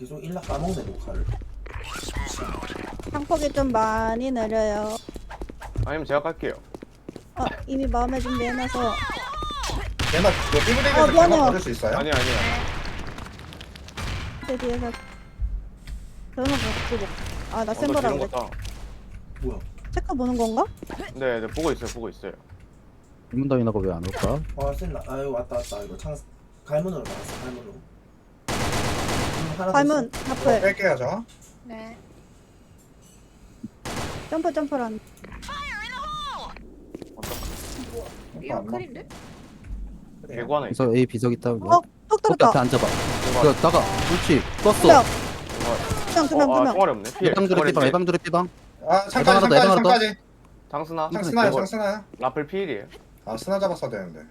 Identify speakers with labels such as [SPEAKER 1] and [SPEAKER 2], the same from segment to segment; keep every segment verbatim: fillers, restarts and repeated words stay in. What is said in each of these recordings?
[SPEAKER 1] 계속 일락 까먹네 녹화를.
[SPEAKER 2] 상폭이 좀 많이 느려요.
[SPEAKER 3] 아니면 제가 깔게요.
[SPEAKER 2] 어, 이미 마음의 준비 해놔서.
[SPEAKER 4] 얘나 그
[SPEAKER 2] 어,
[SPEAKER 4] 삐부대기에서
[SPEAKER 2] 미안해요.
[SPEAKER 4] 대박 받을 수 있어요?
[SPEAKER 3] 아니 아니야.
[SPEAKER 2] 그 뒤에서. 저는 못 아, 나
[SPEAKER 3] 언더
[SPEAKER 2] 센거라고
[SPEAKER 3] 지른
[SPEAKER 2] 그랬지.
[SPEAKER 3] 거다.
[SPEAKER 1] 뭐야?
[SPEAKER 2] 체크 보는 건가?
[SPEAKER 3] 네, 네 보고 있어요, 보고 있어요.
[SPEAKER 5] 이문다이나가 왜 안 올까?
[SPEAKER 1] 아 센나. 아유 왔다 왔다. 이거 창 갈문으로 나왔어. 갈문으로. 음, 하나 더
[SPEAKER 2] 발문,
[SPEAKER 1] 있어.
[SPEAKER 4] 이거
[SPEAKER 2] 앞을.
[SPEAKER 4] 뺄게요 저.
[SPEAKER 2] 네. 점프, 점프란.
[SPEAKER 4] 이거 안
[SPEAKER 6] 클인데?
[SPEAKER 4] 나.
[SPEAKER 3] 개구 하나 있어.
[SPEAKER 5] 그래서 A 비석 있다.
[SPEAKER 2] 어,
[SPEAKER 5] 어?
[SPEAKER 2] 톡
[SPEAKER 5] 거기 앞에
[SPEAKER 2] 떨었다.
[SPEAKER 5] 앉아봐.
[SPEAKER 3] 개구
[SPEAKER 5] 그 나가. 그렇지.
[SPEAKER 2] 두
[SPEAKER 5] 떴어.
[SPEAKER 2] 명,
[SPEAKER 3] 하나.
[SPEAKER 2] 두 명, 두 명,
[SPEAKER 3] 어,
[SPEAKER 2] 두
[SPEAKER 3] 아,
[SPEAKER 2] 명.
[SPEAKER 3] 총알이 없네. 피해.
[SPEAKER 5] 예방드레
[SPEAKER 3] 총알이
[SPEAKER 5] 삐방.
[SPEAKER 3] 없네.
[SPEAKER 5] 예방드레 삐방.
[SPEAKER 4] 아 창까지
[SPEAKER 5] 하나 더,
[SPEAKER 4] 창까지
[SPEAKER 5] 하나 더.
[SPEAKER 4] 창까지.
[SPEAKER 3] 장스나.
[SPEAKER 4] 창 스나요
[SPEAKER 3] 이거
[SPEAKER 4] 창 스나요.
[SPEAKER 3] 라플 피일이에요.
[SPEAKER 4] 아 스나 잡았어야 되는데.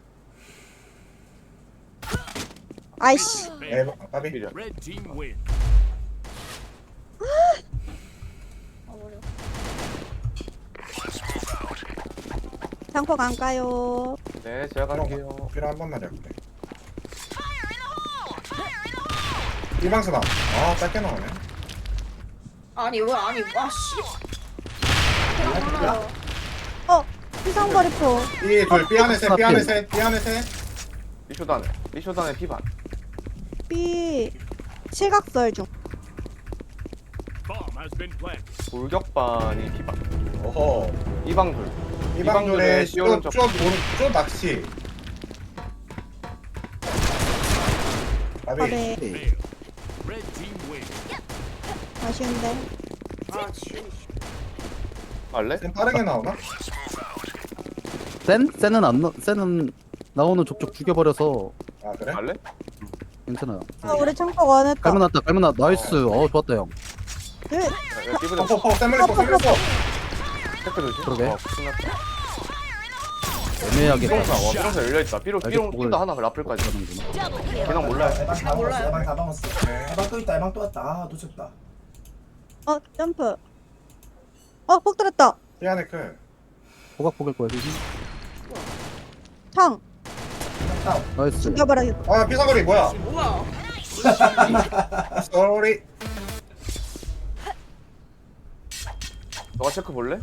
[SPEAKER 2] 아이씨.
[SPEAKER 4] 에 까비.
[SPEAKER 3] 피일이야.
[SPEAKER 7] Red team win.
[SPEAKER 2] 상폭 안 가요.
[SPEAKER 3] 네, 제가 갈게요.
[SPEAKER 4] 필요 한 번만 잡게. 일방 스나. 아 짧게 나오네.
[SPEAKER 6] 아니 왜 아니 와씨 하나
[SPEAKER 2] 어, 피상거리포.
[SPEAKER 4] B둘 B 안에 셋 B 안에 셋 B 안에 셋.
[SPEAKER 3] 리쇼단에. 리쇼단에 피반.
[SPEAKER 2] B. 실각설 중.
[SPEAKER 7] Bomb has been planted.
[SPEAKER 3] 돌격반이 피반.
[SPEAKER 4] 오호.
[SPEAKER 3] 이방돌.
[SPEAKER 4] 이방 둘에
[SPEAKER 3] 이방둘에 씌우는 쪽.
[SPEAKER 4] 쪼쪼쪼 낚시. 까비.
[SPEAKER 2] 아네.
[SPEAKER 7] Fail. Red team win.
[SPEAKER 2] 아쉬운데.
[SPEAKER 6] 아 지.
[SPEAKER 3] 갈래?
[SPEAKER 4] 좀 빠르게 나오나?
[SPEAKER 5] 센? 센은 안 나. 센은 나오는 족족 죽여버려서
[SPEAKER 4] 아 그래?
[SPEAKER 3] 갈래?
[SPEAKER 5] 괜찮아요.
[SPEAKER 2] 아, 우리 창폭 원했다.
[SPEAKER 5] 갈문 났다. 갈문 났. 나이스. 어 좋았다 형.
[SPEAKER 2] 둘.
[SPEAKER 3] 야, 삐부대.
[SPEAKER 4] 퍽퍽퍽 샘물리포 샘물리포.
[SPEAKER 3] 체크 조심.
[SPEAKER 5] 그러게.
[SPEAKER 3] 어, 끝났다.
[SPEAKER 5] 애매하게
[SPEAKER 3] 삐롱사. 와, 삐롱사 열려있다. 삐롱,
[SPEAKER 5] 알겠-
[SPEAKER 3] 삐롱,
[SPEAKER 5] 목을-
[SPEAKER 3] 삐도 하나 라플까지.
[SPEAKER 5] 하는구나.
[SPEAKER 3] 걔랑 몰라요.
[SPEAKER 1] 에방 다
[SPEAKER 6] 몰라요.
[SPEAKER 1] 먹었어. 에방 다 먹었어. 에방 또 있다. 에방 또 왔다. 아 놓쳤다.
[SPEAKER 2] 어, 점프. 어, 폭 들었다.
[SPEAKER 4] B 안에 클.
[SPEAKER 5] 포각포갈 거야 지금.
[SPEAKER 2] 창.
[SPEAKER 1] 다운.
[SPEAKER 5] 나이스.
[SPEAKER 2] 죽여버려야겠다.
[SPEAKER 4] 아 피사거리 뭐야?
[SPEAKER 6] 뭐야?
[SPEAKER 4] 쏘리.
[SPEAKER 3] 너가 체크 볼래?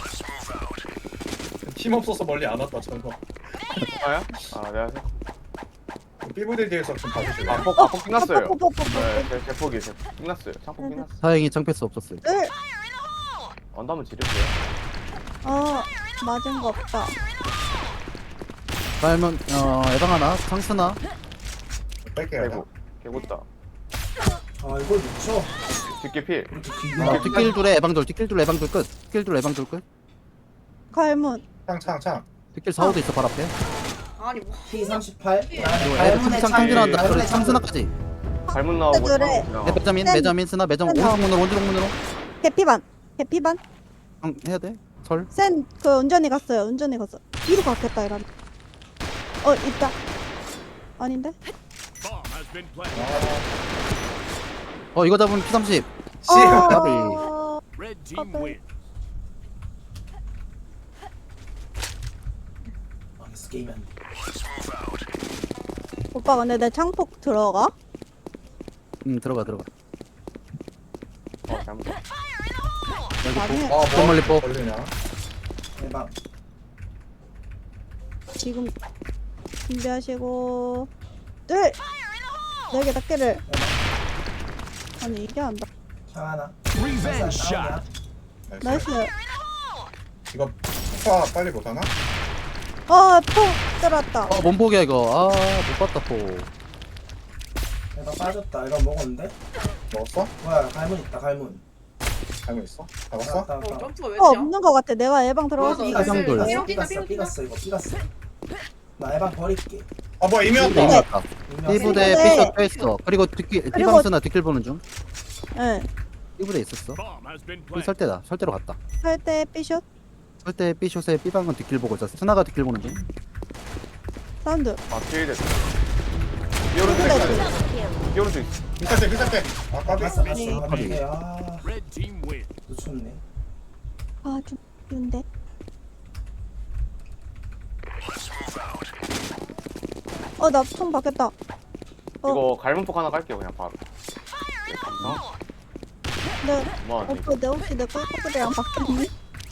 [SPEAKER 4] 팀 없어서 멀리 안 왔다 저거.
[SPEAKER 3] 아야? 아, 내가 체크.
[SPEAKER 4] B부대 뒤에서 좀 봐주실래요?
[SPEAKER 3] 아, 폭, 아, 폭 끝났어요.
[SPEAKER 2] 폭, 폭, 폭, 폭.
[SPEAKER 3] 네, 제, 제 폭이, 제 폭. 끝났어요. 창폭 끝났어.
[SPEAKER 5] 다행히 창패스 없었어요.
[SPEAKER 2] 둘.
[SPEAKER 3] 언더 한번 지를게요.
[SPEAKER 2] 어, 맞은 거 없다.
[SPEAKER 5] 갈문 어 예방 하나. 창스나.
[SPEAKER 4] 뺄게요.
[SPEAKER 3] 개구. 개구다.
[SPEAKER 1] 아 이걸 놓쳐.
[SPEAKER 3] 뒷길 필.
[SPEAKER 1] 이렇게
[SPEAKER 5] 어,
[SPEAKER 1] 기가.
[SPEAKER 5] 뒷길 둘에 예방 둘. 뒷길 둘 예방 둘 끝. 뒷길 둘 예방 둘 끝.
[SPEAKER 2] 갈문.
[SPEAKER 4] 창창 창.
[SPEAKER 5] 뒷길 사호도 있어 발 앞에.
[SPEAKER 6] 아니 뭐
[SPEAKER 1] P 삼십팔.
[SPEAKER 5] 그리고 애들 창 창진한다. 그리고 창스나까지.
[SPEAKER 3] 갈문 나오고.
[SPEAKER 2] 그래.
[SPEAKER 3] 창
[SPEAKER 5] 네, 매자민
[SPEAKER 2] 센.
[SPEAKER 5] 매자민 스나 매점
[SPEAKER 2] 센
[SPEAKER 5] 오른쪽 문으로 오른쪽 문으로.
[SPEAKER 2] 개피반. 개피반.
[SPEAKER 5] 형 해야 돼. 설.
[SPEAKER 2] 센, 그 운전이 갔어요. 운전이 갔어. 뒤로 갔겠다, 이런. 어, 있다. 아닌데?
[SPEAKER 7] Bomb has been planted.
[SPEAKER 4] 아,
[SPEAKER 5] 어 이거 잡으면 피 삼십.
[SPEAKER 4] 씨.
[SPEAKER 5] 까비.
[SPEAKER 2] 어,
[SPEAKER 7] Red team
[SPEAKER 2] Okay.
[SPEAKER 7] win.
[SPEAKER 1] 망했어 게임이 안 돼.
[SPEAKER 2] 오빠, 근데 내 창폭 들어가?
[SPEAKER 5] 음 들어가 들어가.
[SPEAKER 3] 어, 잘못.
[SPEAKER 2] 많이 해.
[SPEAKER 4] 아,
[SPEAKER 5] 좀
[SPEAKER 4] 뭐
[SPEAKER 5] 멀리 뽀.
[SPEAKER 4] 걸리냐?
[SPEAKER 1] 에방.
[SPEAKER 2] 지금 준비하시고. 둘! 네개 닦기를. 아니, 이게 안 닿.
[SPEAKER 1] 창 하나.
[SPEAKER 7] Revenge
[SPEAKER 1] 다운이야.
[SPEAKER 7] shot.
[SPEAKER 2] 나이스.
[SPEAKER 4] 이거 폭파 빨리 못하나?
[SPEAKER 2] 어, 폭 들었다.
[SPEAKER 5] 어 몸폭이야 이거. 아못 봤다 포.
[SPEAKER 1] 에방 빠졌다. 에방 먹었는데?
[SPEAKER 4] 먹었어?
[SPEAKER 1] 뭐야 갈문 있다. 갈문.
[SPEAKER 4] 알고 있어? 잡았어?
[SPEAKER 1] 다운,
[SPEAKER 6] 어
[SPEAKER 1] 다운.
[SPEAKER 6] 점프가 왜
[SPEAKER 2] 어,
[SPEAKER 6] 이렇게?
[SPEAKER 2] 없는 거 같아. 내가 예방 들어가서.
[SPEAKER 6] 맞아.
[SPEAKER 1] 삐갔어.
[SPEAKER 5] 삐갔어.
[SPEAKER 1] 삐갔어.
[SPEAKER 6] 삐갔어.
[SPEAKER 1] 삐갔어.
[SPEAKER 6] 삐갔어.
[SPEAKER 1] 이거 삐갔어. 나 에방 버릴게.
[SPEAKER 4] 아 뭐야 이미
[SPEAKER 5] 이미
[SPEAKER 4] 왔다.
[SPEAKER 5] 왔다. B부대
[SPEAKER 2] 삐부대.
[SPEAKER 5] 피셔 빼있어. 그리고 뒷길
[SPEAKER 2] 그리고-
[SPEAKER 5] B방스나 뒷길 보는 중.
[SPEAKER 2] 응.
[SPEAKER 5] B부대 있었어.
[SPEAKER 7] Bomb has been
[SPEAKER 5] B
[SPEAKER 7] planted.
[SPEAKER 5] 설대다. 설대로 갔다.
[SPEAKER 2] 설때 삐슛.
[SPEAKER 5] 설대 B숏에 B방은 뒷길 보고 있었어. 스나가 뒷길 보는 중.
[SPEAKER 2] 사운드.
[SPEAKER 3] 아, 피일 됐어. 삐오른쪽 있어. 삐오른쪽 있어.
[SPEAKER 4] 비쌀 비쌀 때. 아 까비.
[SPEAKER 1] 갔어 갔어.
[SPEAKER 2] 네.
[SPEAKER 1] 아, 네. 아
[SPEAKER 7] Red team win.
[SPEAKER 1] 놓쳤네.
[SPEAKER 2] 아, 좀 쉬운데. 어, 나 총 바뀌었다. 어.
[SPEAKER 3] 이거 갈문폭 하나 깔게요, 그냥 바로.
[SPEAKER 2] 네.
[SPEAKER 3] 뭐 하니?
[SPEAKER 2] 오빠 내 혹시 내 꿀꺽이랑 바뀌었니?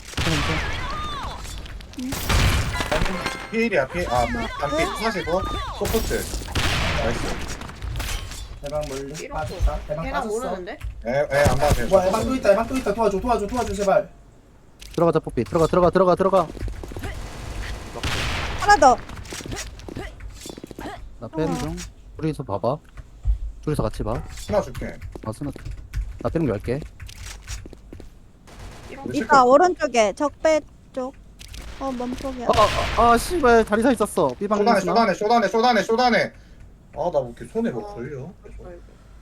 [SPEAKER 4] 피일이야 피. 아 반피 사시고 소프트. 나이스.
[SPEAKER 1] 대방 멀리
[SPEAKER 6] 삐롱
[SPEAKER 1] 빠졌다. 대방
[SPEAKER 6] 걔나
[SPEAKER 1] 빠졌어.
[SPEAKER 6] 모르는데?
[SPEAKER 4] 에에안 봐도 돼.
[SPEAKER 1] 뭐야, 에방 또 있다. 에방 또 있다. 도와줘, 도와줘, 도와줘, 제발.
[SPEAKER 5] 들어가자 뽀삐 들어가 들어가 들어가 들어가.
[SPEAKER 2] 하나 더.
[SPEAKER 5] 나 빼는 중. 둘이서 봐봐. 둘이서 같이 봐.
[SPEAKER 4] 하나 줄게.
[SPEAKER 5] 아 스나. 나 빼는 거 할게.
[SPEAKER 6] 삐롱
[SPEAKER 2] 이따 오른쪽에 적배 쪽. 어 멈쪽이야.
[SPEAKER 5] 아, 아, 아 씨발 다리 사 있었어. 삐방
[SPEAKER 4] 쇼단에
[SPEAKER 5] 스나.
[SPEAKER 4] 쇼단에 쇼단에 쇼단에 쇼단에. 아나 뭐 이렇게 손에 뭐 걸려?
[SPEAKER 6] 아이고.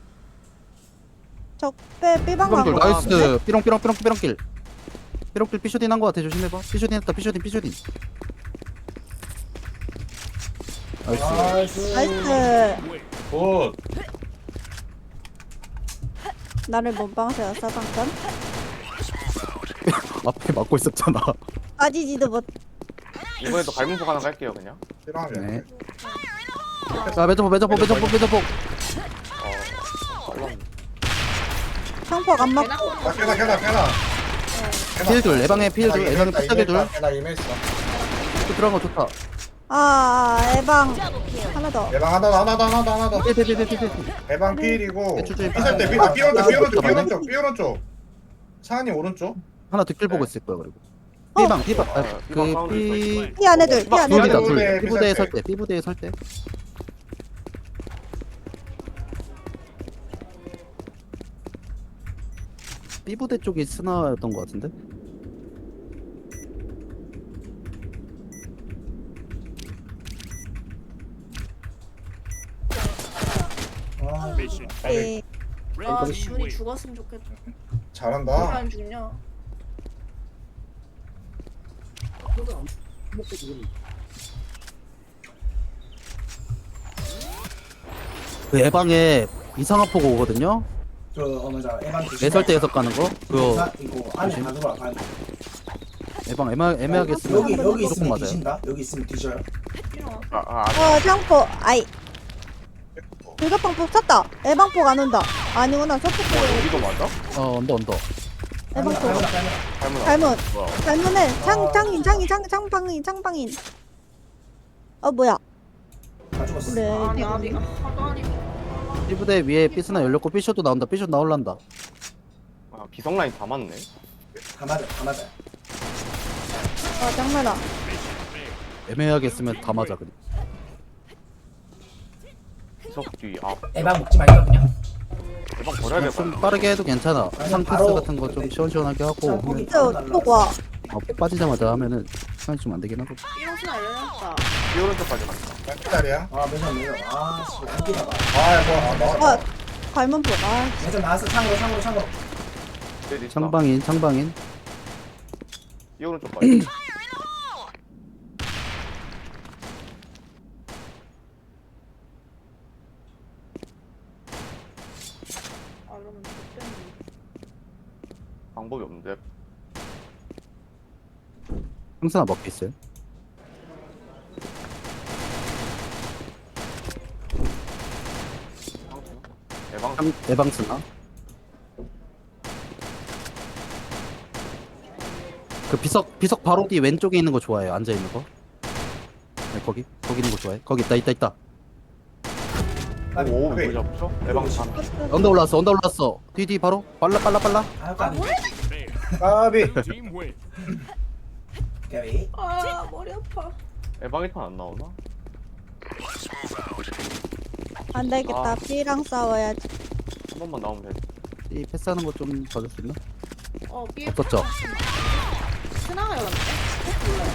[SPEAKER 2] 적배 삐방
[SPEAKER 5] 삐방돌
[SPEAKER 2] 가고.
[SPEAKER 5] 나이스. 삐롱 삐롱 삐롱 삐롱길. 삐롱길 삐쇼딘 한 거 같아. 조심해봐. 삐쇼딘 했다. 삐쇼딘 삐쇼딘. 나이스.
[SPEAKER 1] 나이스.
[SPEAKER 2] 나이스.
[SPEAKER 7] Win.
[SPEAKER 4] 굿.
[SPEAKER 2] 나를 몸빵세웠어 방금.
[SPEAKER 5] 앞에 막고 있었잖아.
[SPEAKER 2] 빠지지도 못.
[SPEAKER 3] 이번에도 갈문폭 하나 갈게요 그냥.
[SPEAKER 4] 필요하면.
[SPEAKER 5] 네. 자 매점포 매점포 매점포 매점포.
[SPEAKER 3] 어 빨랐네.
[SPEAKER 2] 상폭 안 맞고.
[SPEAKER 4] 아 캐나 캐나 캐나.
[SPEAKER 5] 필둘 예방해 필둘 예방해 삐딱이 둘.
[SPEAKER 4] 캐나 임했어.
[SPEAKER 5] 또 들어간 거 좋다.
[SPEAKER 2] 아 에방 하나 더.
[SPEAKER 4] 예방 하나 더 하나 더 하나 더 하나 더.
[SPEAKER 5] 필필필필필.
[SPEAKER 4] 예방 필이고.
[SPEAKER 5] 네, 추추
[SPEAKER 4] 피살 때 피, 아, 피 오른쪽 피 오른쪽 피 오른쪽 피 오른쪽. 차은이 오른쪽.
[SPEAKER 5] 하나 뒷길 보고 있을 거야 그리고.
[SPEAKER 2] 어.
[SPEAKER 5] 삐방 삐방.
[SPEAKER 3] 어, 삐방 사운드 있어,
[SPEAKER 5] 그삐
[SPEAKER 3] 있어.
[SPEAKER 2] 피 안에 둘. 피 안에
[SPEAKER 5] 둘이다
[SPEAKER 2] 둘.
[SPEAKER 4] 삐부대,
[SPEAKER 5] 둘. 삐부대에
[SPEAKER 4] 삐살
[SPEAKER 5] 설
[SPEAKER 4] 때.
[SPEAKER 5] 때. 삐부대에 설 때. 삐부대 쪽이 스나였던 거 같은데?
[SPEAKER 1] 아,
[SPEAKER 7] Mission
[SPEAKER 2] 예.
[SPEAKER 6] 아
[SPEAKER 7] Red team
[SPEAKER 6] 지훈이
[SPEAKER 7] win.
[SPEAKER 6] 죽었으면 좋겠다. 왜
[SPEAKER 4] 잘한다.
[SPEAKER 6] 안 죽냐?
[SPEAKER 5] 그 예방에 이상한 포고 오거든요?
[SPEAKER 1] 그, 어, 맞아. 에방 조심해.
[SPEAKER 5] 내설대에서 까는 거? 그거
[SPEAKER 1] 자, 이거 안에 가져와, 가는 거.
[SPEAKER 5] 예방 애매, 애매하게 쓰면
[SPEAKER 1] 여기, 여기
[SPEAKER 5] 무조건
[SPEAKER 1] 있으면
[SPEAKER 5] 맞아요.
[SPEAKER 1] 뒤진다. 여기 있으면 뒤져요.
[SPEAKER 6] 삐롱.
[SPEAKER 3] 아, 아, 아,
[SPEAKER 2] 어 상폭. 아이. 불가방폭 쳤다. 에방폭 안 온다. 아니구나. 저폭
[SPEAKER 3] 어, 여기도 맞아?
[SPEAKER 5] 어 언더 언더.
[SPEAKER 1] 갈문아,
[SPEAKER 2] 에방폭.
[SPEAKER 1] 갈문아, 갈문아.
[SPEAKER 3] 갈문 안
[SPEAKER 2] 잘못.
[SPEAKER 3] 뭐야?
[SPEAKER 2] 잘못해.
[SPEAKER 1] 아.
[SPEAKER 2] 창 창인 창인 창 창방인 창방인. 어 뭐야?
[SPEAKER 1] 다 죽었어.
[SPEAKER 2] 그래.
[SPEAKER 6] 아니 아니 아, 하도 아니.
[SPEAKER 5] 삐부대 위에 삐스나 열렸고 삐쇼도 나온다. 삐쇼 나올란다.
[SPEAKER 3] 아, 비성 라인 다 맞네.
[SPEAKER 1] 다 맞아, 다 맞아.
[SPEAKER 2] 아 장난아.
[SPEAKER 5] 애매하게 쓰면 다 맞아 그래.
[SPEAKER 3] 비석 뒤. 아,
[SPEAKER 1] 에방 먹지 말까, 그냥.
[SPEAKER 3] 대박 버려야
[SPEAKER 5] 좀
[SPEAKER 3] 될것
[SPEAKER 5] 빠르게 해도 괜찮아.
[SPEAKER 1] 아니,
[SPEAKER 5] 상패스
[SPEAKER 1] 바로
[SPEAKER 5] 같은 거 좀 시원시원하게 하고
[SPEAKER 1] 참, 포기.
[SPEAKER 5] 하면
[SPEAKER 2] 저폭 와.
[SPEAKER 5] 어, 폭 빠지자마자 하면은 시간이 좀 안 되긴 하고.
[SPEAKER 6] 삐롱 스나 열렸다.
[SPEAKER 3] 이 오른쪽까지 갔다.
[SPEAKER 4] 몇 짜리야?
[SPEAKER 1] 아, 매점, 매점. 아, 씨, 웃기다 봐.
[SPEAKER 4] 아 뭐야 아, 나왔다.
[SPEAKER 2] 아 갈문폭. 아
[SPEAKER 1] 매점 나왔어. 창으로, 창으로, 창으로.
[SPEAKER 3] 내
[SPEAKER 5] 창방인 창방인.
[SPEAKER 3] 이 오른쪽까지.
[SPEAKER 6] 아 그러면 좋겠네.
[SPEAKER 3] 방법이 없는데.
[SPEAKER 5] 형사나 먹고 있어요.
[SPEAKER 3] 대방
[SPEAKER 5] 참 예방스나. 그 비석 비석 바로 뒤 왼쪽에 있는 거 좋아해요. 앉아 있는 거. 네, 거기 거기 있는 거 좋아해. 거기 있다 있다 있다.
[SPEAKER 1] 아니,
[SPEAKER 3] 오,
[SPEAKER 4] 왜?
[SPEAKER 3] 왜 잡죠? 대방 반.
[SPEAKER 5] 언더 올라왔어. 언더 올라왔어. 뒤 뒤 바로 빨라 빨라 빨라.
[SPEAKER 1] 아,
[SPEAKER 6] 아
[SPEAKER 1] 까비.
[SPEAKER 6] 뭐야?
[SPEAKER 4] 까비.
[SPEAKER 7] Blue team win.
[SPEAKER 1] 까비.
[SPEAKER 6] 아 머리 아파.
[SPEAKER 3] 대방 일 판 안 나오나?
[SPEAKER 2] 안 되겠다.
[SPEAKER 3] 아.
[SPEAKER 2] B랑 싸워야지.
[SPEAKER 3] 한 번만 나오면 돼.
[SPEAKER 5] 이 패스하는 거 좀 봐줄 수 있나?
[SPEAKER 6] 어 삐.
[SPEAKER 5] 없었죠?
[SPEAKER 6] 스나가 열었네. 몰라요.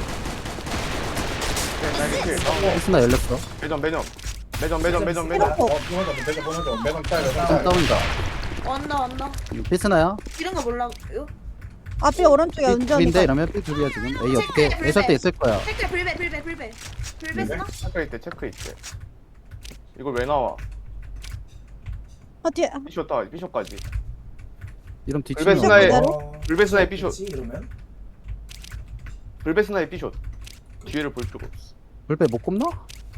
[SPEAKER 3] 네, 날개 킬. 어,
[SPEAKER 5] 패스나 열렸어.
[SPEAKER 3] 매점, 매점. 매점, 매점, 매점, 매점.
[SPEAKER 4] 어 보내줘 매점 보내줘 매점 짤 매점
[SPEAKER 5] 좀
[SPEAKER 4] 짤.
[SPEAKER 5] 다운이다.
[SPEAKER 6] 왔나 왔나.
[SPEAKER 5] 패스나야?
[SPEAKER 6] 이런 거 몰라요?
[SPEAKER 2] 아 B 오른쪽에
[SPEAKER 5] B
[SPEAKER 2] 운전이.
[SPEAKER 5] 둘인데 이러면 B 둘이야 지금. A 어떻게
[SPEAKER 6] 체크해,
[SPEAKER 5] 애설 때
[SPEAKER 6] 불배.
[SPEAKER 5] 있을 거야.
[SPEAKER 6] 체크 불배 불배 불배. 불배 스나?
[SPEAKER 3] 체크 있대, 체크 있대. 이걸 왜 나와?
[SPEAKER 2] 어 뒤에.
[SPEAKER 3] 비쇼 따, 비쇼까지.
[SPEAKER 5] 이런
[SPEAKER 3] 불배
[SPEAKER 5] 뒤치면
[SPEAKER 3] 스나의
[SPEAKER 2] 그대로?
[SPEAKER 1] 어,
[SPEAKER 3] 불베스나의 비숍.
[SPEAKER 1] 그치, 이러면?
[SPEAKER 3] 불베스나의 비쇼. 뒤를 볼 필요가 없어.
[SPEAKER 5] 불배 못 꼽나?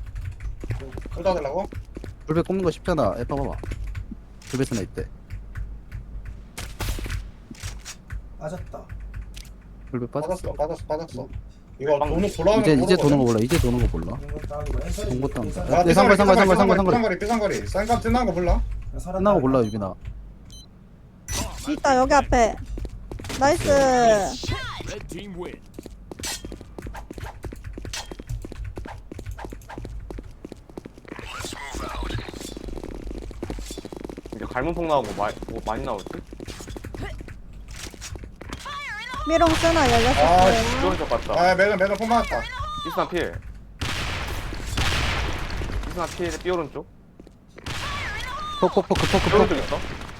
[SPEAKER 4] 쏟아달라고?
[SPEAKER 5] 불배 꼽는 거 쉽잖아. 에 봐봐봐. 불배 스나 있대.
[SPEAKER 1] 빠졌다.
[SPEAKER 5] 불배 빠졌어.
[SPEAKER 4] 빠졌어 빠졌어 빠졌어. 이거 도는 돌아오는
[SPEAKER 5] 이제
[SPEAKER 4] 거
[SPEAKER 5] 이제 도는 거
[SPEAKER 4] 모르거든.
[SPEAKER 5] 몰라. 이제 도는 거 몰라.
[SPEAKER 1] 이거 다운이고 애설이
[SPEAKER 5] 본 것도 안
[SPEAKER 1] 애설이
[SPEAKER 5] 돼.
[SPEAKER 4] 야
[SPEAKER 5] 네, 상거리, 상거리, 상거리, 상거리, 상거리.
[SPEAKER 4] 삐상거리 삐상거리 쌍감 끝난 거 몰라?
[SPEAKER 1] 살았다.
[SPEAKER 5] 끝나고 몰라 유빈아.
[SPEAKER 2] 있다 여기 앞에. 나이스.
[SPEAKER 7] Red team win.
[SPEAKER 3] 이제 갈문폭 나오고 마, 뭐 많이 나올 듯?
[SPEAKER 2] 미롱 쓰나
[SPEAKER 4] 아,
[SPEAKER 2] 열렸었어요.
[SPEAKER 3] 좋은 적 같다.
[SPEAKER 4] 아 매점 매점 폼 맞았다.
[SPEAKER 3] 이스나 필. 이스나 필, 삐 오른쪽.
[SPEAKER 5] 폭폭폭
[SPEAKER 3] 삐
[SPEAKER 5] 폭폭
[SPEAKER 3] 오른쪽
[SPEAKER 5] 폭.
[SPEAKER 3] 있어.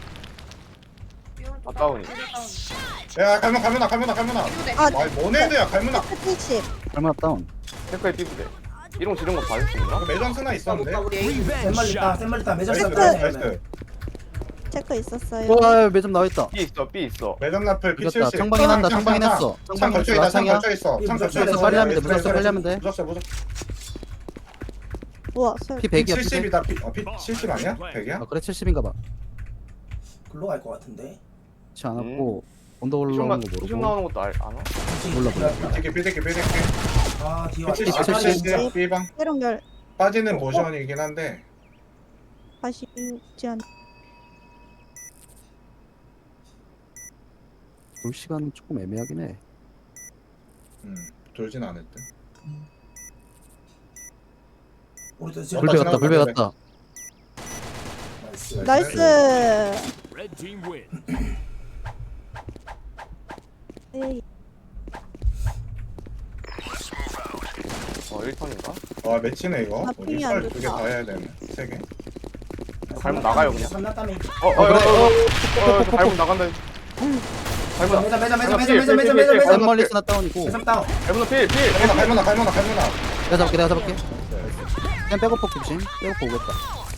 [SPEAKER 6] 삐오른쪽
[SPEAKER 3] 아, 다운이.
[SPEAKER 6] 다운.
[SPEAKER 4] 야 갈문 갈문아 갈문아 갈문아.
[SPEAKER 6] 삐오대.
[SPEAKER 2] 아,
[SPEAKER 4] 아 모네드야 갈문아.
[SPEAKER 2] 칠십.
[SPEAKER 5] 얼마나 다운?
[SPEAKER 3] 체크에 삐부대. 이런 지른 거 봐줄 수 있나?
[SPEAKER 4] 매점 쓰나 있었는데.
[SPEAKER 6] 우리 에이.
[SPEAKER 1] 샘멀 있다. 샘멀 있다. 매점
[SPEAKER 4] 나이스
[SPEAKER 1] 있다.
[SPEAKER 4] 나이스.
[SPEAKER 2] 체크 있었어요.
[SPEAKER 5] 와 매점 나와 있다.
[SPEAKER 3] 삐 있어, 삐 있어.
[SPEAKER 4] 매점 라플 피
[SPEAKER 5] 늦었다.
[SPEAKER 4] 칠십.
[SPEAKER 5] 청방이 난다. 청방이 났어.
[SPEAKER 4] 창
[SPEAKER 5] 청방이
[SPEAKER 4] 걸쳐 있다. 창
[SPEAKER 5] 창이야.
[SPEAKER 4] 걸쳐 있어. 창 걸쳐
[SPEAKER 1] 무조건
[SPEAKER 4] 있어.
[SPEAKER 5] 빨리 하면 돼, 무조건 빨리 하면 돼.
[SPEAKER 4] 무조건 무조건.
[SPEAKER 2] 우와 설.
[SPEAKER 5] 피
[SPEAKER 4] 피
[SPEAKER 5] 백이야. 피 백.
[SPEAKER 4] 칠십이다. 피 어, 피 칠십 아니야? 백이야?
[SPEAKER 5] 아 그래 칠십인가 봐.
[SPEAKER 1] 글로 갈 것 같은데.
[SPEAKER 5] 그렇지 않았고 언더 올라오는
[SPEAKER 3] 피숍만,
[SPEAKER 5] 거
[SPEAKER 3] 피숍
[SPEAKER 5] 모르고.
[SPEAKER 3] 나오는 것도 알, 아나?
[SPEAKER 5] 몰라, 몰라.
[SPEAKER 4] 삐대기 삐대기 삐대기.
[SPEAKER 1] 아 뒤에
[SPEAKER 4] 피
[SPEAKER 1] 왔다.
[SPEAKER 4] 칠십 칠십 B방
[SPEAKER 2] 미롱 열
[SPEAKER 4] 빠지는 모션이긴 한데.
[SPEAKER 2] 다시 있지 않.
[SPEAKER 5] 볼 시간은 조금 애매하긴 해.
[SPEAKER 4] 음 돌진 않을 듯.
[SPEAKER 1] 우리도 지금
[SPEAKER 5] 불배 갔다.
[SPEAKER 4] 지나갔다,
[SPEAKER 5] 불배
[SPEAKER 4] 지나갔다.
[SPEAKER 5] 갔다.
[SPEAKER 1] 나이스.
[SPEAKER 2] 나이스.
[SPEAKER 7] Red team win.
[SPEAKER 2] 에이.
[SPEAKER 3] 어, 일 턴인가?
[SPEAKER 4] 아 매치네 이거.
[SPEAKER 2] 아, 핑이 안
[SPEAKER 4] 두개
[SPEAKER 2] 좋다.
[SPEAKER 4] 다 해야 되네. 세 개.
[SPEAKER 3] 갈문 나가요, 그냥.
[SPEAKER 1] 삼났다며.
[SPEAKER 3] 어, 어, 어, 어, 어, 어, 갈문 나간다. 갈문,
[SPEAKER 1] 매점 매점 매점
[SPEAKER 3] 갈문
[SPEAKER 1] 매점 매점 매점 매점 매점
[SPEAKER 5] 한 멀리 쓰나 다운이고.
[SPEAKER 1] 매점 다운.
[SPEAKER 3] 갈문 필, 필.
[SPEAKER 4] 갈문아 갈문아 갈문아 갈문아.
[SPEAKER 5] 내가 잡을게. 내가 잡을게. 그냥 백업폭 조심. 백업폭 오겠다.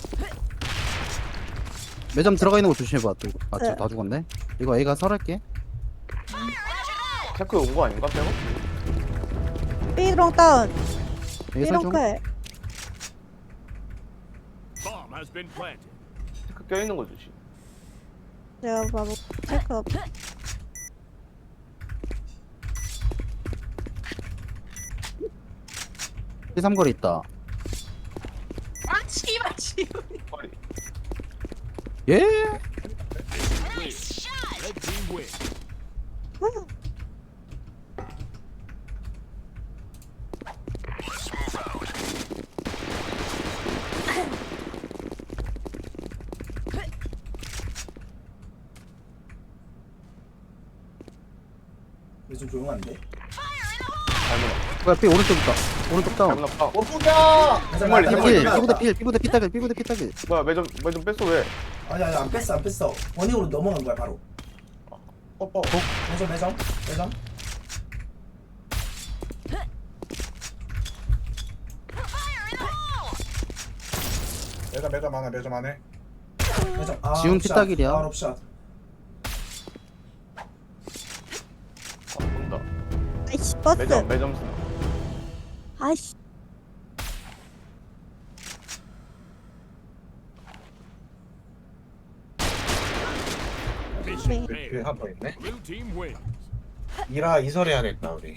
[SPEAKER 5] 매점 들어가 있는 거 조심해봐. 또 이거. 아,
[SPEAKER 2] 네.
[SPEAKER 5] 진짜 다 죽었네. 이거 A가 설할게.
[SPEAKER 3] 체크 온 거 아닌가, 빼고?
[SPEAKER 2] 미롱 다운.
[SPEAKER 5] A 설
[SPEAKER 2] 미롱
[SPEAKER 5] 중.
[SPEAKER 2] 클.
[SPEAKER 7] Bomb has been planted.
[SPEAKER 3] 체크 껴있는 거 주지.
[SPEAKER 2] 제가 바로 체크 없.
[SPEAKER 5] 피 삼거리 있다.
[SPEAKER 6] 아 씨발 씨발.
[SPEAKER 3] 빨리.
[SPEAKER 5] 예?
[SPEAKER 7] Win. Red team win.
[SPEAKER 1] 요즘 조용한데.
[SPEAKER 3] 갈문,
[SPEAKER 5] 뭐야 피 오른쪽 있다. 오른쪽 다운.
[SPEAKER 3] 갈문 아파.
[SPEAKER 4] 오프가.
[SPEAKER 1] 매점
[SPEAKER 3] 빨리,
[SPEAKER 1] 나왔다,
[SPEAKER 3] 빨리.
[SPEAKER 5] 필.
[SPEAKER 1] 매점
[SPEAKER 5] 피부대
[SPEAKER 1] 나왔다.
[SPEAKER 5] 필. 피부대 피따길. 피부대 피따길.
[SPEAKER 3] 뭐야, 매점, 매점 뺐어, 왜?
[SPEAKER 1] 아니 아니 안 뺐어 안 뺐어. 원익으로 넘어간 거야 바로.
[SPEAKER 4] 뽀뽀.
[SPEAKER 1] 매점 매점 매점.
[SPEAKER 4] 매점 매점 하나 매점 안에.
[SPEAKER 1] 매점. 아,
[SPEAKER 5] 지훈
[SPEAKER 1] 옵샷.
[SPEAKER 5] 피딱이랴.
[SPEAKER 1] 아 옵샷.
[SPEAKER 3] 아, 본다.
[SPEAKER 2] 아이씨 버스.
[SPEAKER 3] 매점, 매점 쓰나.
[SPEAKER 2] 아이씨.
[SPEAKER 7] Mission
[SPEAKER 2] 네.
[SPEAKER 7] failed.
[SPEAKER 4] 한번 있네.
[SPEAKER 7] Blue team wins.
[SPEAKER 4] 이라 이설해야겠다 우리.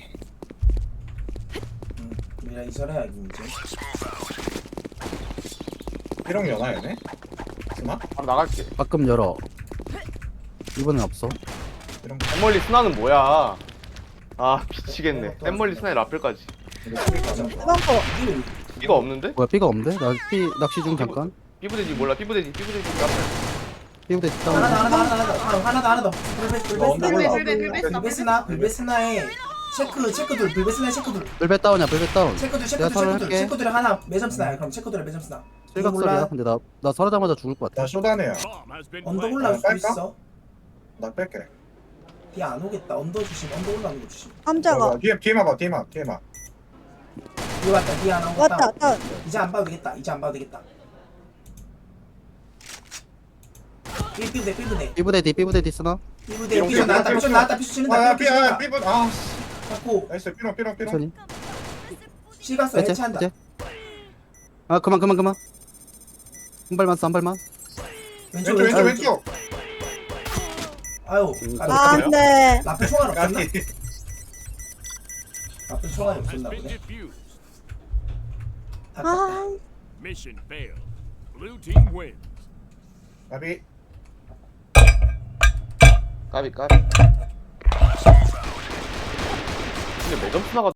[SPEAKER 1] 응. 미라 이설해야지 이제.
[SPEAKER 4] 삐롱 연하 얘네. 스나?
[SPEAKER 3] 바로 나갈게.
[SPEAKER 5] 가끔 열어. 이번엔 없어.
[SPEAKER 4] 삐롱.
[SPEAKER 3] 샘멀리 스나는 뭐야? 아, 미치겠네. 샘멀리 스나의 라플까지.
[SPEAKER 1] 매점.
[SPEAKER 2] 뜨거워.
[SPEAKER 1] 이게
[SPEAKER 3] 삐가 없는데?
[SPEAKER 5] 뭐야 삐가 없는데? 나 삐 낚시 중 잠깐.
[SPEAKER 3] 삐부대지 몰라, 삐부대지, 삐부대지. 라플.
[SPEAKER 5] 삐부대
[SPEAKER 1] 하나
[SPEAKER 5] 다운.
[SPEAKER 1] 더 하나 더 하나 더 하나 더 하나 더. 불베 불베
[SPEAKER 6] 불베,
[SPEAKER 1] 스나.
[SPEAKER 6] 불베, 불베 스나,
[SPEAKER 1] 불베스나 불베스나에 체크 체크들 불베스나 체크들
[SPEAKER 5] 불배 다운이야. 불배 다운.
[SPEAKER 1] 체크들
[SPEAKER 5] 내가
[SPEAKER 1] 체크들
[SPEAKER 5] 털을
[SPEAKER 1] 체크들
[SPEAKER 5] 할게.
[SPEAKER 1] 체크들에 하나 매점 스나야. 그럼 체크들에 매점 스나.
[SPEAKER 5] 실각설이야. 근데 나 나 설하자마자 죽을 것 같아.
[SPEAKER 4] 나 쇼다네야.
[SPEAKER 7] Bomb has been
[SPEAKER 1] 언더
[SPEAKER 7] planted.
[SPEAKER 1] 올라올 수도
[SPEAKER 4] 빨까?
[SPEAKER 1] 있어.
[SPEAKER 4] 나 뺄게.
[SPEAKER 1] 뒤 안 오겠다. 언더 주심 언더 올라오는 거 주심.
[SPEAKER 2] 감자가
[SPEAKER 4] 어, 뒤에 뒤에만 봐 뒤에만 뒤에만.
[SPEAKER 1] 뒤 왔다 뒤 하나
[SPEAKER 2] 왔다
[SPEAKER 1] 오겠다.
[SPEAKER 2] 다운.
[SPEAKER 1] 이제 안 봐도 되겠다. 이제 안 봐도 되겠다. 삐 삐부대 삐부대
[SPEAKER 5] 삐부대 뒤 삐부대 뒤 쓰나?
[SPEAKER 1] 삐부대
[SPEAKER 3] 삐롱,
[SPEAKER 1] 삐부
[SPEAKER 3] 삐롱,
[SPEAKER 1] 나왔다
[SPEAKER 3] 삐롱,
[SPEAKER 1] 삐부 나왔다 삐수 치는다
[SPEAKER 4] 아야
[SPEAKER 1] 삐부
[SPEAKER 4] 삐야
[SPEAKER 1] 치는다.
[SPEAKER 4] 삐부 아
[SPEAKER 1] 잡고
[SPEAKER 4] 나이스 삐롱 삐롱 삐롱.
[SPEAKER 5] 천천히.
[SPEAKER 1] 시가서
[SPEAKER 5] 이제
[SPEAKER 1] 해체한다.
[SPEAKER 5] 이제. 아 그만 그만 그만. 한 발만 써 한 발만.
[SPEAKER 1] 왼쪽
[SPEAKER 4] 왼쪽 왼쪽
[SPEAKER 1] 왼쪽
[SPEAKER 4] 왼쪽.
[SPEAKER 1] 아유
[SPEAKER 3] 음,
[SPEAKER 1] 까비.
[SPEAKER 2] 아,
[SPEAKER 3] 그래요?
[SPEAKER 2] 네.
[SPEAKER 1] 라플 총알 없었나?
[SPEAKER 4] 까비.
[SPEAKER 1] 라플 총알이
[SPEAKER 7] Bomb has
[SPEAKER 1] 없었나
[SPEAKER 7] been
[SPEAKER 1] 보네.
[SPEAKER 7] defused.
[SPEAKER 1] 아깝다.
[SPEAKER 2] 아,
[SPEAKER 7] Mission failed. Blue team wins.
[SPEAKER 4] 까비.
[SPEAKER 3] 까비 까비. 근데 매점 스나가